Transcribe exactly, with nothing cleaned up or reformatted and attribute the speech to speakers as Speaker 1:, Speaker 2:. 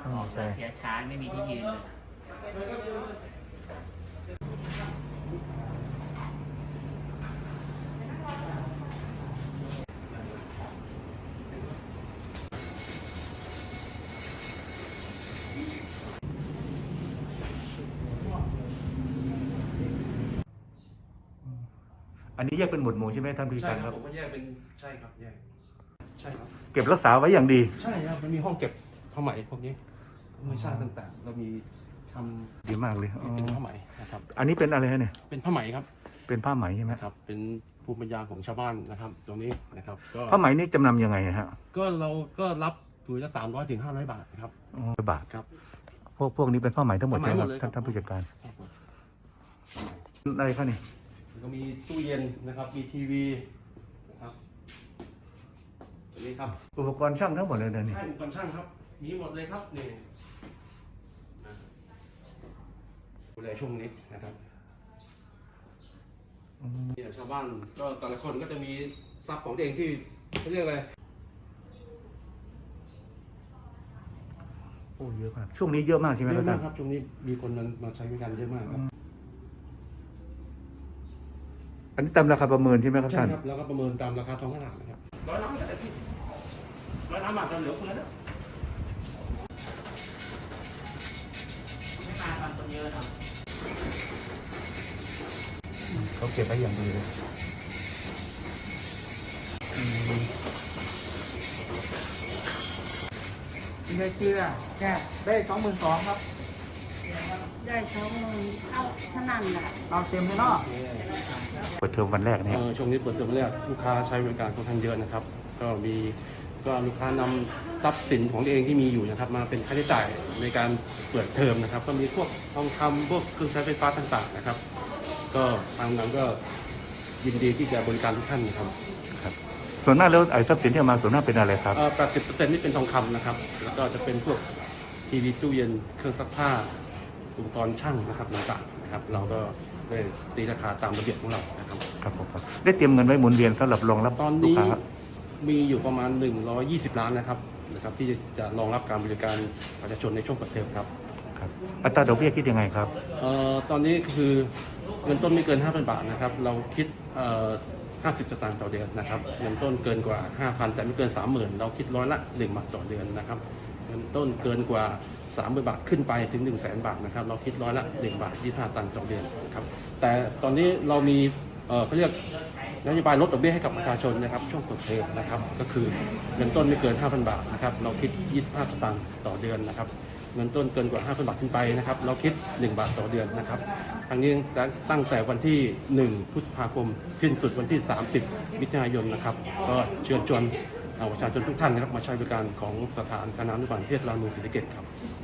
Speaker 1: ออกเสียช้าไม่มีที่ยืนเลย
Speaker 2: อันนี้แยกเป็นหมวดหมู่ใช่ไหมท่านผู้การครับ
Speaker 3: ผมก็แยกเป็นใช่ครับแยกใช่ครับ
Speaker 2: เก็บรักษาไว้อย่างดี
Speaker 3: ใช่ครับมันมีห้องเก็บผ้าไหมพวกนี้ธรรมชาติต่างๆเรามีทำ
Speaker 2: ดีมากเลยอ๋อ
Speaker 3: เป็นผ้าไหมนะครับ
Speaker 2: อันนี้เป็นอะไรฮะเนี่ย
Speaker 3: เป็นผ้าไหมครับ
Speaker 2: เป็นผ้าไหมใช่ไหม
Speaker 3: ครับเป็นภูมิปัญญาของชาวบ้านนะครับ ตรงนี้นะครับก็
Speaker 2: ผ้าไหมนี่จำนำยังไงฮะ
Speaker 3: ก็เราก็รับถือละสามร้อยถึงห้าร้อยบาทนะครับ
Speaker 2: อ๋อบาท
Speaker 3: ครับ
Speaker 2: พวกพวกนี้เป็นผ้าไหมทั้งหมด
Speaker 3: ผ้าไหม
Speaker 2: ใช่ไหม
Speaker 3: หมดเลย
Speaker 2: ท่าน
Speaker 3: ครับ
Speaker 2: ท่านผู้จัดการ
Speaker 3: ครับผม
Speaker 2: อะไรครับนี่
Speaker 3: แล้วก็มีตู้เย็นนะครับมีทีวีนะครับตรงนี้ครับ
Speaker 2: อุปกรณ์ช่างทั้งหมดเลยนะนี่
Speaker 3: ให้อุปกรณ์ช่างครับมีหมดเลยครับนี่นะดูแลช่วงนี้นะครับเนี่ยชาวบ้านก็แต่ละคนก็จะมีทรัพย์ของตัวเองที่เขาเรียกอะไร
Speaker 2: โอ้เยอะมากช่วงนี้เยอะมากใช่ไหม
Speaker 3: เย
Speaker 2: ครับ
Speaker 3: อะ
Speaker 2: ท่าม
Speaker 3: าน กครับช่วงนี้มีคนมามาใช้บริการเยอะมากครับ
Speaker 2: อันนี้ตามราคาประเมินใช่ไหมครับ
Speaker 3: ใช่
Speaker 2: ท่าน
Speaker 3: ครับแล้วก็ประเมินตามราคาท้องตลาดนะครับร้อยล้านก็แต่ที่ร้อยล้านบาทจะเหลือเฟือแล้ว
Speaker 1: ไม่มาทำคนเยอะเนาะ
Speaker 2: เขาเก็บไว้อย่างดีเลย
Speaker 4: เงินเชื่อแค่ได้สองหมื่นสองครับ
Speaker 5: ได้สองหมื่นเอาเท่านั้นแหละ
Speaker 4: เราเต็มเลยเนาะ
Speaker 2: เปิดเทอมวันแรกนะ
Speaker 3: เอ
Speaker 2: ครับ
Speaker 3: อช่วงนี้เปิดเทอมแรกลูกค้าใช้บริการค่อนข้างเยอะนะครับ ก็มีก็ลูกค้านำทรัพย์สินของตัวเองที่มีอยู่นะครับ มาเป็นค่าใช้จ่ายในการเปิดเทอมนะครับ ก็มีพวกทองคำพวกเครื่องใช้ไฟฟ้าต่างๆนะครับ ก็ทางนั้นก็ยินดีที่จะบริการทุกท่านนะครับ
Speaker 2: ครับส่วนหน้ากแล้วไอ้ทรัพย์สินที่เอามาส่วนหน้ากเป็นอะไรครับ
Speaker 3: เอ่อแปดสิบเปอร์เซ็นต์นี่เป็นทองคำนะครับ แล้วก็จะเป็นพวกทีวีตู้เย็นเครื่องซักผ้าอุปกรณ์ช่างนะครับต่างๆนะครับ เราก็ได้ตีราคาตามระเบียบของเรานะครับ
Speaker 2: ครับผมครับได้เตรียมเงินไว้หมุนเวียนสำหรับรองรับ
Speaker 3: ตอน
Speaker 2: ลูก
Speaker 3: นี้
Speaker 2: ค้า
Speaker 3: มีอยู่ประมาณหนึ่งร้อยยี่สิบล้านนะครับนะครับ ที่จะรองรับการบริการประชาชนในช่วงเปิดเทอมครับ
Speaker 2: ครับอัตราดอกเบี้ยคิดยังไงครับ
Speaker 3: เอ่อตอนนี้คือเงินต้นไม่เกิน ห้าพัน บาทนะครับ เราคิดเอ่อห้าสิบสตางค์ต่อเดือนนะครับ เงินต้นเกินกว่า ห้าพัน แต่ไม่เกิน สามหมื่น เราคิดร้อยละหนึ่งบาทต่อเดือนนะครับ เงินต้นเกินกว่า สามหมื่น บาทขึ้นไปถึง หนึ่งแสน บาทนะครับ เราคิดร้อยละหนึ่งบาทยี่สิบห้าตังค์ต่อเดือนนะครับ แต่ตอนนี้เรามีเอ่อเขาเรียกนโยบายลดดอกเบี้ยให้กับประชาชนนะครับช่วงเปิดเทอมนะครับ ก็คือเงินต้นไม่เกิน ห้าพัน บาทนะครับ เราคิดยี่สิบห้าสตางค์ต่อเดือนนะครับ เงินต้นเกินกว่า ห้าพัน บาทขึ้นไปนะครับ เราคิดหนึ่งบาทต่อเดือนนะครับทางนี้ตั้งแต่วันที่หนึ่งพฤษภาคมสิ้นสุดวันที่สามสิบมิถุนายนนะครับ ก็เชิญชวนประชาชนทุกท่านนะครับมาใช้บริการของสถานการน้ำนุบาลเทศราชเมืองศรีสะเกษครับ